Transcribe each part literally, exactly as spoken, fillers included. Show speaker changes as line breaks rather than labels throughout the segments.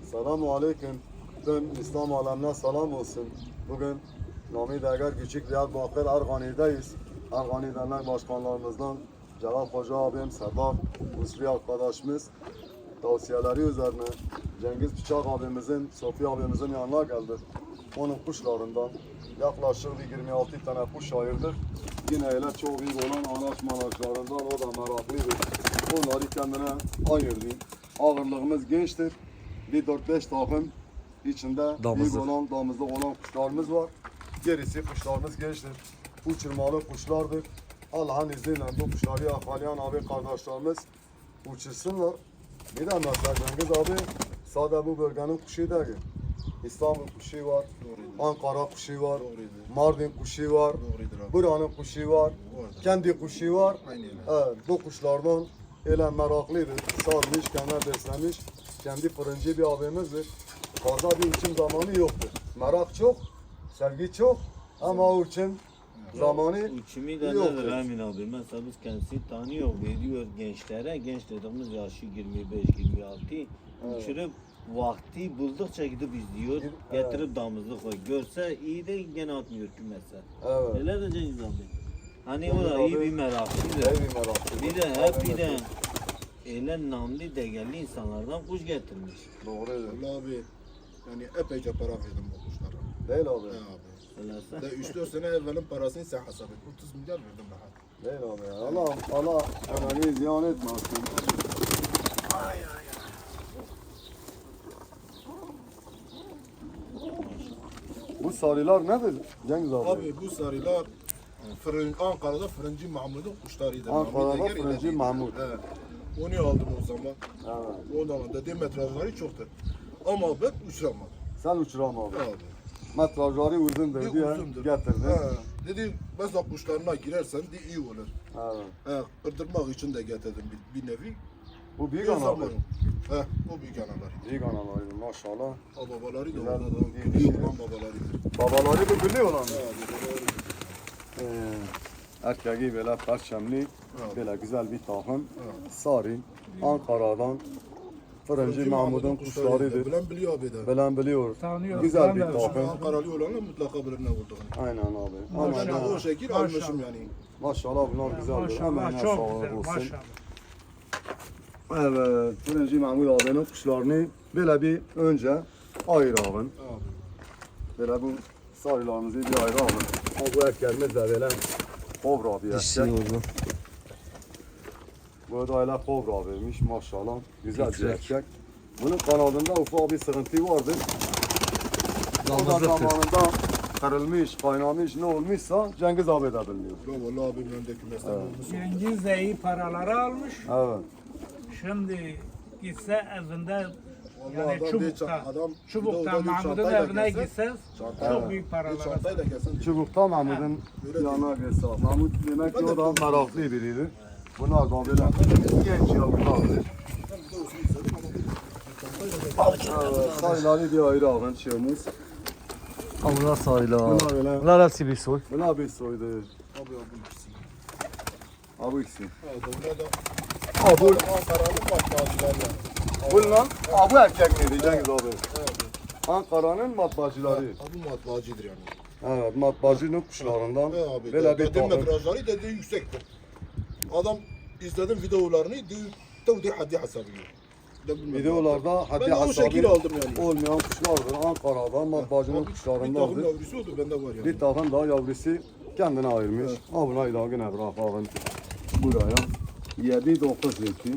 Selamun Aleyküm. Tüm İslam alemine selam olsun. Bugün Nami Dergar Küçük Diyarbakır Ergani'deyiz. Ergani Dernek Başkanlarımızdan Celal Hoca abim, Sedat Usri arkadaşımız tavsiyeleri üzerine Cengiz Bıçak abimizin, Sofi abimizin yanına geldik. Onun kuşlarından yaklaşık bir yirmi altı tane kuş ayırdık. Yine öyle çok büyük olan anaç manaçlarından o da meraklıydı. Onları kendine ayırdı. Ağırlığımız gençtir. Bir dört beş takım içinde
Damızlık.
büyük olan, damızlık olan kuşlarımız var. Gerisi kuşlarımız gençtir. Uçurmalı kuşlardır. Allah'ın izniyle bu kuşları yakalayan abi kardeşlerimiz uçursunlar. Bir de mesela Cengiz abi sadece bu bölgenin kuşu değil. İstanbul kuşu var, Ankara kuşu var, Mardin kuşu var, buranın kuşu var, kendi kuşu var. Evet, bu kuşlardan öyle meraklıydı. Salmış, kenar beslemiş. Kendi fırıncı bir abimizdir. Fazla bir uçum zamanı yoktur. Merak çok, sevgi çok ama uçum zamanı
Uçumi de
yoktur.
nedir Emin abi? Mesela biz kendisi tanıyor, veriyor gençlere. Genç dediğimiz yaşı yirmi beş yirmi altı.
Evet.
Uçurup vakti buldukça gidip izliyor.
Evet.
Getirip damızlık koy. Görse iyi de gene atmıyor kümese.
Evet.
Öyle de Cengiz abi. Hani o
Cengiz
da iyi
abi
bir meraklıydı.
ev bir meraklı.
Bir de hep bir de öyle namlı değerli insanlardan kuş getirmiş.
Doğru öyle.
Vallahi abi yani epeyce para verdim bu kuşlara.
Değil abi.
He abi.
Söylese.
De üç dört sene evvelin parasını sen hesap et. otuz milyar verdim rahat.
Değil abi ya. Allah Allah ömrünü ziyan etmesin. Bu sarılar nedir Cengiz abi?
Abi bu sarılar fırın, Ankara'da Fırıncı Mahmud'un kuşlarıydı.
Ankara'da
Mahmud Eger
Fırıncı
ile
Mahmud.
He. Onu aldım o zaman.
Evet.
O zaman dediğim metrajları çoktu. Ama ben uçuramadım.
Sen uçuram abi.
Abi.
Metrajları uzun
Bir
dedi ya.
uzundur.
Getirdin.
He. Dedi mesela kuşlarına girersen de iyi olur.
Evet.
He, kırdırmak için de getirdim bir, bir nevi.
Bu büyük
Bir
ana abi.
zaman. He, o büyük analar.
Büyük analarıydı maşallah.
O babaları da
Güzel,
orada da
iyi
büyük
şey.
olan babalarıdır.
Babaları bu biliyor lan.
He, babaları.
Ee, erkeği böyle perçemli,
Evet.
böyle güzel bir takım.
Evet.
Sarı, Ankara'dan Fırıncı
Fırıncı
Mahmud'un kuşlarıdır.
Bilen biliyor abi de.
Bilen biliyor.
Tanıyor.
Güzel
Ben
bir
de
takım.
Şimdi Ankaralı olanlar mutlaka bilir ne olduğunu.
Aynen abi. Ama
Ben
Maşallah.
de
ne-
o şekil
Maşallah.
almışım yani.
maşallah bunlar güzeldir.
Maşallah
Emeğine
çok
sağlık
güzel
olsun.
maşallah.
Evet, Fırıncı Mahmud abinin kuşlarını böyle bir önce ayıralım.
Abi.
Böyle bu sarılarımızı bir ayıralım. Ha, bu erkeğimiz de böyle kobra bir
Dişi
erkek.
oldu.
Bu da öyle kobra vermiş maşallah. Güzel bir
Titrek.
erkek. Bunun kanadında ufak bir sıkıntı vardır. O da
Damızlıktır.
zamanında kırılmış, kaynamış ne olmuşsa Cengiz abi de bilmiyor.
Ya vallahi abim öndeki meslek olmuş.
Cengiz de iyi paraları almış.
Evet.
Şimdi gitse evinde
Vallahi
yani
adam bir
çubukta,
ça- adam bir
çubukta
de o da bir
Mahmud'un
çantayla
evine
gelse-
gitse
Çantayla-
çok büyük
Bir
paralar alır.
çantayla gelsen
Çubukta Mahmud'un
Öyle
yanına geçse. Mahmud demek ki
Ben
o
de
da meraklı biriydi. Bunlar da böyle genç yavrulardır.
ben bir de olsun istedim ama bir çantayla gelsen.
Evet, sayıları bir ayrı alın şeyimiz.
Allah sayılar.
Bunlar öyle.
Bunlar hepsi bir soy.
Bunlar bir soydu.
Abi abi ikisi.
Abi ikisi.
Evet, bunlar da
Abi,
Ankara'nın matbaacıları.
bunlar, abi erkek miydi Cengiz abi?
Evet.
Ankara'nın matbaacıları.
Abi matbaacıdır yani.
Evet, matbaacının kuşlarından
He abi.
böyle bir
Dediğim
takım.
metrajları dediği yüksektir. Adam izledim videolarını diyor tevdi haddi hesabı. De bilmem.
Videolarda
Ben
haddi
de o şekil
hesabı
aldım yani.
olmayan kuşlardır. Ankara'dan matbaacının
Abi, bir takım
kuşlarındandır.
yavrusu oldu bende var yani.
Bir takım daha yavrusu kendine ayırmış.
Evet.
Ha buna ilagın bırakalım buraya. Yedi dokuz yedi.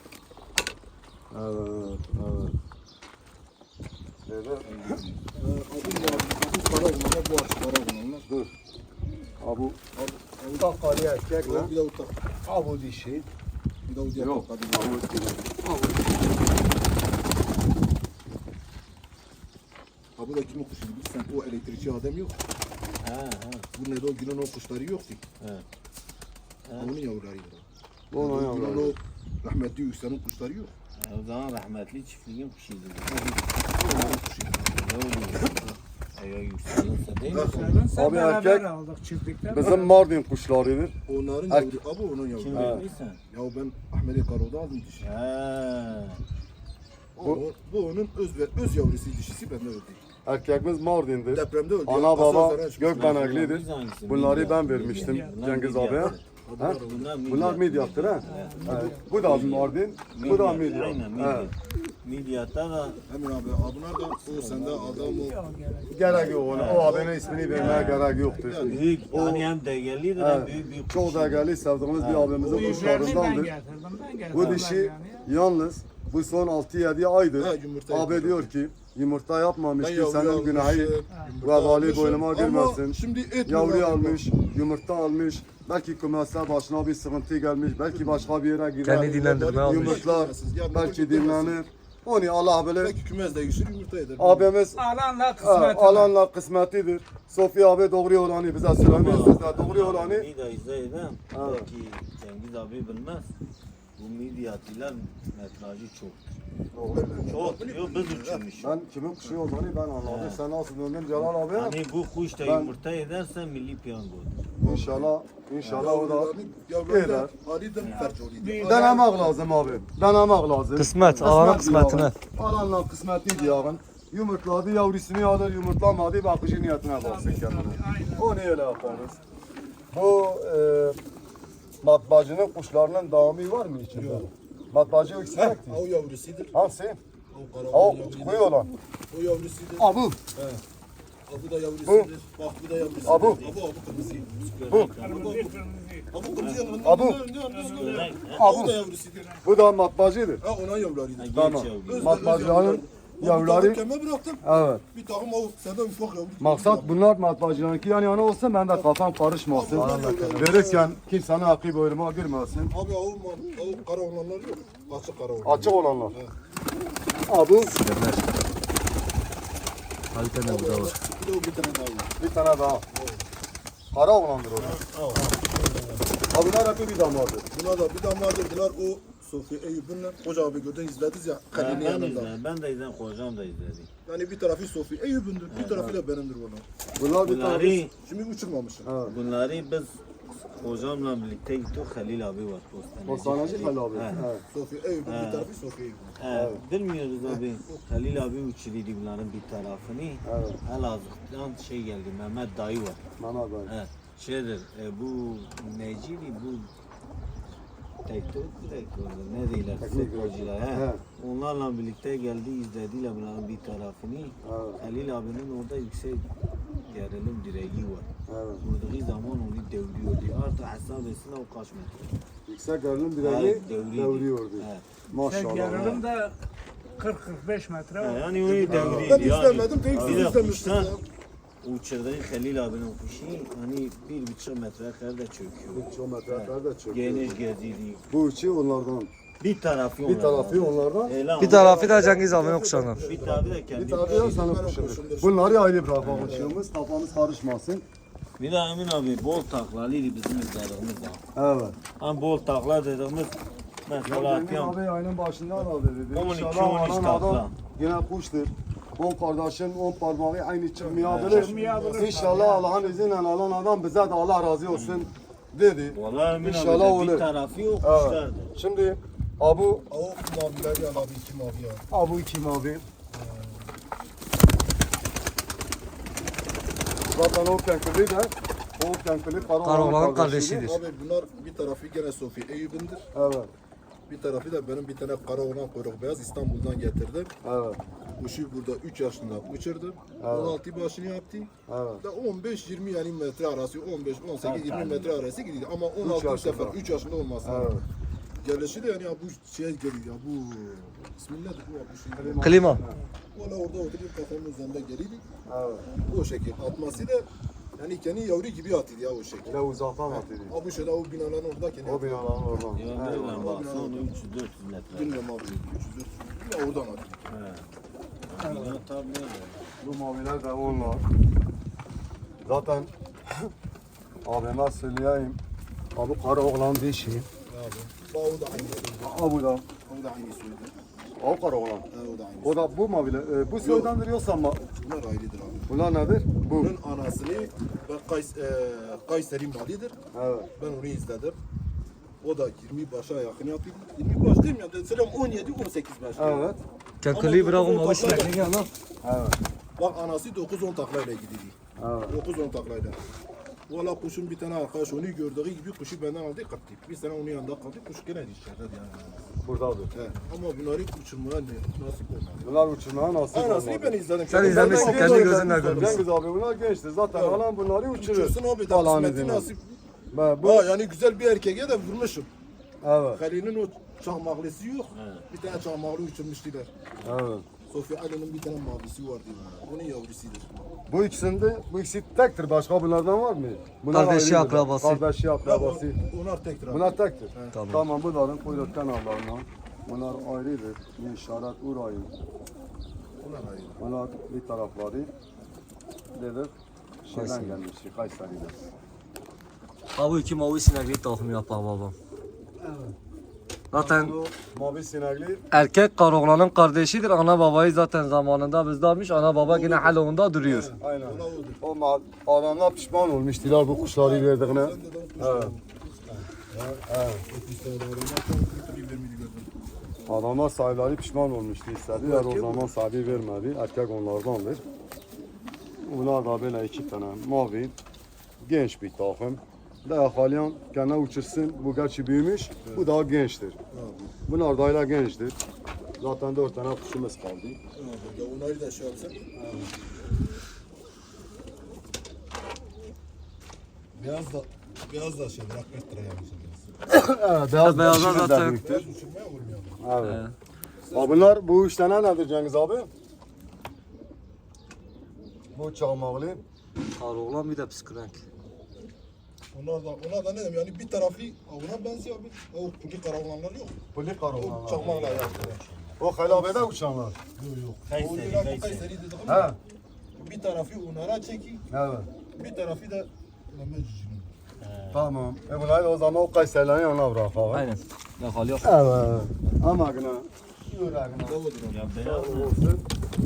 Evet, evet. Evet.
Ee, Abim var. Abim para olanlar bu açık para olanlar.
Dur. Abu
Abi,
Takali erkek lan.
bir de o tak.
Abu dişi.
Bir de o diğer
Yok.
tak.
Abu dişi.
Abi de kimin kuşu bilirsen o elektrikçi adam yok.
Ha ha.
Bu ne de o günün o kuşları yoktu.
Evet.
Onun yavrularıydı.
Onun
O günün
yavruları.
o rahmetli Yüksel'in kuşları yok.
O zaman rahmetli çiftliğin kuşuydu.
Onların kuşuydu.
Ne oluyor? Eğer yükselirse değil mi?
Senin sen
Abi
beraber
erkek-
aldık çiftlikten.
Bizim Mardin kuşlarıdır.
Onların
Erkek.
yavru, abi onun
Kim
yavruları.
verdiysen?
Ya ben Ahmet'e Karo'da aldım dişi.
Ha.
O, bu onun öz ve öz yavrusu dişisi bende öldü.
Erkekimiz Mardin'dir.
Depremde öldü.
Ana
Asıl
baba
üzerine çıkmış.
Gökbeneklidir.
Biz hangisi?
Bunları
Midye.
ben vermiştim
Bunlar
Cengiz
midye.
abiye. Ha?
Bunlar midye.
Bunlar Midyat'tır ha. Evet. Bu da Mardin, bu da
Midye,
Midyat.
Aynen
Evet.
midye. Midyatta da
Emin abi, bunlar da o sende adam o.
Gerek yok ona. O abinin ismini vermeye gerek yoktur.
büyük,
O-
yani hem değerlidir hem
Evet.
büyük büyük
Çok
kuş.
değerli sevdiğimiz bir abimizin
Büyüklerini ben
kuşlarındandır.
getirdim. Ben getirdim.
Bu dişi yalnız bu son altı yedi aydır.
Ha, yumurta
Abi
yapmış.
diyor ki yumurta yapmamış
Ben
ki
yavru
senin
almışım,
günahı
yumurta
ve vali
almışım
boynuma
ama
girmesin.
şimdi et mi
Yavru
var?
almış, yumurta almış. Belki kümese başına bir sıkıntı gelmiş. Belki başka bir yere girer.
Kendi dinlendirme almış.
Yumurtlar belki dinlenir. Onu Allah bilir.
Belki kümez de geçir yumurta eder.
Abimiz
Alanla
ha,
kısmet.
alanla kısmetidir. Sofi abi doğru olanı bize söylemiş. Biz de doğru olanı.
Bir de izleyelim. Belki Cengiz abi bilmez. Bu midyatiler metrajı çok. Çok. Yok biz uçurmuş.
Ben kimin kuşu olduğunu ben anladım. Sen nasıl döndün Celal abi?
Hani bu kuş da
Ben-
yumurta ederse milli piyangodur.
İnşallah, inşallah o da
Yavrular
eder.
da Ali de fercoliydi.
Denemek lazım abi. Denemek lazım.
Kısmet, Allah'ın kısmetine.
diyarın. Allah'ın kısmeti diyarın. Yumurtladı, yavrusunu alır, yumurtlamadı, bakıcı niyetine baksın kendine. Onu öyle yaparız. Bu e, matbaacının kuşlarının devamı var mı içinde? Matbaacı ikisi
Ha,
ekti.
o yavrusudur.
Hangisi?
O kara
O
yavrusudur.
koyu olan.
O yavrusudur.
Abu.
Ha, bu da yavrusudur. Bak bu da yavrusudur.
Abu.
Abu, abu kırmızı.
Bu.
Kırmızı kırmızı.
Abu kırmızı yanında.
Abu.
O da yavrusudur.
Bu da matbaacıdır.
Ha, ona yavrularıydı.
Tamam.
yavru.
Matbaacıların yavruları.
Keme bıraktım.
Evet.
Bir takım o senden ufak yavru.
Maksat bunlar matbaacılarınki yan yana olsun, ben de kafam karışmasın. Verirken kimsenin aklı boynuma girmesin.
Abi o, o kara olanlar yok. Açık kara olanlar.
Açık olanlar. Abu
Kalite ne bu da var.
Bir de o bir tane daha var.
bir tane daha. Kara olandır o. Abi bunlar hep bir damadır.
Buna da bir damla dediler o Sofi Eyüp'ünle Hoca abi gördün izlediniz ya
Ben,
Halil'in
ben,
yanında.
izledim, ben de izledim, kocam da izledi.
Yani bir tarafı Sofi Eyüp'ündür, bir tarafı da benimdir bana.
Bunlar bir
Bunları,
tane.
Şimdi uçurmamışım.
Evet.
bunları biz hocamla birlikte gittik. Halil abi var.
Postanacı Halil abi.
He.
Evet.
Sofi Eyüp'ün
Ha.
bir tarafı Sofi Eyüp'ün.
He, bilmiyoruz abi. Halil abi uçurdu bunların bir tarafını.
Evet.
Elazığ'dan şey geldi, Mehmet dayı var.
Mehmet abi.
He, şeydir, e, bu neciydi bu teknik direktör ne diyorlar
Teknik
futbolcular he.
He.
Onlarla birlikte geldi izlediler bunların bir tarafını.
Evet.
Halil abinin orada yüksek gerilim direği var.
Evet.
Vurduğu zaman onu devriyordu. Artık hesap etsene o kaç metre.
Yüksek gerilim
He,
direği
devriydi.
devriyordu.
He.
Maşallah.
Gelirim de kırk kırk beş metre
He,
var.
yani onu
Ben
devriydi yani.
izlemedim, tek
Bir
siz
de
izlemişsiniz.
kuştan uçurduğu Halil abinin kuşu hani bir buçuk metre kadar da çöküyor.
Çok metrelerde çöktü.
Geniş geziydi.
Bu içi onlardan.
Bir tarafı
Bir
onlardan.
tarafı onlardan.
Elan.
Bir tarafı da Cengiz abinin kuşağından.
Bir tarafı da kendi.
Bir tarafı da senin kuşundur. Bunları ayrı bırakalım kuşumuz. Kafamız karışmasın.
Bir de Emin abi bol taklalıydı bizim izlediğimiz da.
Evet.
Hani bol takla dediğimiz mesela
Cengiz
atıyorum.
abi ayının başında da dedi.
on iki,
İnşallah
on üç
anan
takla.
adam yine kuştur. On kardeşin on parmağı aynı çıkmayabilir.
Çıkmayabilir.
İnşallah Allah'ın izniyle alan adam bize de Allah razı olsun dedi.
Vallahi Emin
İnşallah
abi de
olur.
bir tarafı yok
Evet.
kuşlardı.
Şimdi Abu
O mavileri al abi, iki mavi al.
Abu iki mavi. Zaten o kenkili de o kenkili
Karaoğlan'ın
Karaoğlan'ın
kardeşidir.
Abi bunlar bir tarafı gene Sofi Eyüp'ündür.
Evet.
Bir tarafı da benim bir tane kara olan kuyruk beyaz İstanbul'dan getirdim.
Evet.
Kuşu burada üç yaşında uçurdu.
Evet.
on altı başını yaptı.
Evet.
Da on beş yirmi yani metre arası, on beş on sekiz yirmi metre arası gidiyor. Ama on altı
yaşında.
sefer üç yaşında olmaz.
Evet.
Gelişi de yani ya bu şey geliyor ya bu Bismillah bu bu şey.
Klima.
Valla orada oturup kafamın üzerinde geliydi.
Evet.
O şekil atması da yani kendi yavru gibi atıyor ya o şekil.
Bir de uzaktan atıyor.
Abi şöyle o binaların orada kendi
O binaların oradan.
Ya
Evet.
böyle baksana onu üç yüz dört yüz metre.
Bilmiyorum abi üç yüz dört yüz. Ya oradan atıyor.
He. Bina tabii öyle.
Bu maviler de onlar. Zaten abime söyleyeyim. Abi Karaoğlan dişi.
Abi. Bak o da aynı söyledi.
Abu da.
O da aynı söyledi.
O Karaoğlan.
Ha, o da aynı.
O da bu maviler. E, bu soydandır yoksa ama
Bunlar ayrıdır abi.
bunlar nedir? Bu.
Bunun anasını ben Kays, e, Kayseri Mali'dir.
Evet.
Ben onu izledim. O da yirmi başa yakın yapıyor. yirmi baş değil mi? Yani selam on yedi on sekiz baş.
Evet.
Kakuli bırak o
dokuz on
mavi
taklayla-
sinekliği al.
Evet.
Bak anası dokuz on taklayla gidiyor.
Evet.
dokuz on taklayla. Valla kuşun bir tane arkadaş onu gördüğü gibi kuşu benden aldı kattı. Bir sene onun yanında kaldı. Kuş gene dışarıda yani.
Buradadır.
He. Ama bunları uçurmaya ne- nasip olmadı.
Bunlar uçurmaya nasip
Anasını
olmadı.
ben izledim.
Sen
Kendim-
izlemişsin,
Ben-
kendi
Ben-
gözünle
Ben-
görmüşsün.
Cengiz abi bunlar gençtir. Zaten
Evet.
alan bunları uçurur.
Uçursun abi de
Allah'ın
kısmeti
izniyle.
nasip.
Ben bu
Ha yani güzel bir erkeğe de vurmuşum.
evet.
Halil'in o çakmaklısı yok. Bir tane çakmaklı uçurmuştular.
Evet.
Sofya Ali'nin bir tane mavisi vardı. Onun yavrusudur.
Bu ikisinde bu ikisi tektir. Başka bunlardan var mı? Bunlar
Kardeşi,
ayrıdır.
akrabası.
Kardeşi
Ya,
akrabası.
o- onlar tektir abi.
Bunlar tektir.
Tamam.
Tamam bunların kuyruktan Allah'ına. Bunlar ayrıdır. Bir işaret urayın.
Onlar ayrı.
Bunlar bir tarafları dedik. Şeyden
Kayseri.
gelmiş. Kayseri'den.
Ha bu iki mavi sinekliği takım yapar babam. Zaten
Bu mavi sinekli
erkek karoğlanın kardeşidir. Ana babayı zaten zamanında bizde almış. Ana baba yine halonda duruyor.
aynen.
Ona odur.
O ma- adamlar pişman olmuştular bu kuşları verdiğine.
Sen de de
Evet. Evet.
otuz tane adamlar tam bir vermedi gördüm.
Adamlar sahipleri pişman olmuştu istediler o zaman sahibi vermedi. Erkek onlardandır. Bunlar da böyle iki tane mavi genç bir takım. Daha halen kendine uçursun. Bu gerçi büyümüş. Bu daha gençtir. Bunlar da hala gençtir. Zaten dört tane kuşumuz kaldı.
Evet, ya onları da şey yapsın. Beyaz da beyaz da şey bırak kırk lira yapmışsın.
Evet, beyaz
beyazlar
dişimiz de
zaten-
büyüktür.
Beyaz uçurmaya olmuyor.
Evet. Ha, bunlar bu üç tane nedir Cengiz abi? Bu çakmaklı.
Karoğlan bir de psikrenk.
Onlar da onlar da ne diyeyim yani bir tarafı ona benziyor abi. O puli karavanlar yok.
Puli
O
karoğlanlar.
çakmakla yaptı.
O helabede uçanlar.
Yok yok.
Kayseri,
O Irak
Kayseri.
Kayseri dedik
He.
ama bir tarafı onlara çeki,
Evet.
bir tarafı da Lamecici'nin.
Tamam. E bunları o zaman o Kayserilerin yanına bırakalım.
Aynen. Ya hal yok.
Evet. Ama gına. Yüreğine.
Yavrudur abi.
Ya beyaz mı?
Olsun.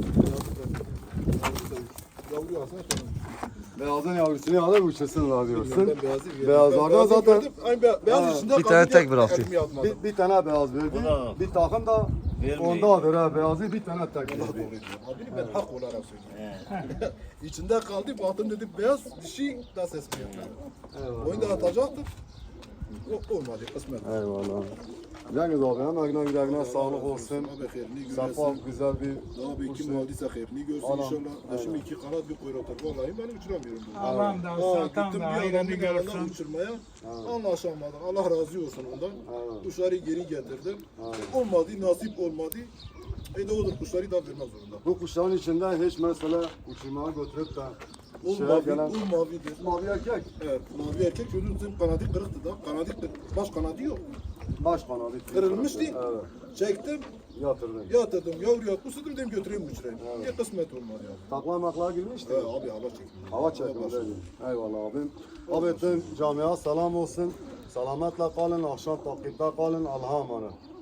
Yavru alsana sonra.
Beyazın yavrusunu alır uçursunlar diyorsun.
Ben beyazı verdim.
Beyazlardan
Ben beyazı
zaten-
verdim. Aynı be- beyaz
Ha,
içinde
bir
kaldı
tane
diye
tek bıraktı.
ekmeği atmadım.
Bir, bir tane beyaz verdi.
Bu da-
Bir takım da
Vermiyor.
ondadır ha. Beyazı bir tane tek
Allah
verdi.
doğru diyor. Abi ben hak olarak söylüyorum.
He.
İçinde kaldı baktım dedim beyaz dişi da ses mi yapıyor.
Eyvallah.
Oyunu da atacaktım. O, olmadı kısmet.
Eyvallah. Cengiz abi emeğine yüreğine sağlık olsun.
Abi hayırlı
Safa
göresin.
güzel bir
Abi kim
kuşu.
aldıysa hayırlı görsün
Anam,
inşallah.
aynen.
Şimdi iki kanat bir kuyruktur. Vallahi ben uçuramıyorum. bunu.
Allah'ım da
Aa,
satan
gittim
da
bir
hayrını
adamın yanına
görsün.
uçurmaya. Anlaşamadık. Allah razı olsun ondan.
Evet.
Kuşları geri getirdim.
Evet.
Olmadı, nasip olmadı. E de olur kuşları da vermek zorunda.
Bu kuşların içinde hiç mesela uçurmaya götürüp de
O
şeye
mavi,
gelen
o mavidir.
mavi erkek
Evet, mavi erkek çocuğun kanadı kırıktı da. Kanadı kırık, baş kanadı yok.
baş kanadı
Kırılmıştı.
Evet.
Çektim,
Yatırdın.
yatırdım, yavruya kusudum dedim götüreyim uçurayım. Ya kısmet olmadı ya.
Takla makla girmişti.
He abi hava çekti.
Hava çekimi değil mi? Eyvallah abim. Abi tüm camiye selam olsun. Selametle kalın, akşam takipte kalın. Allah'a emanet.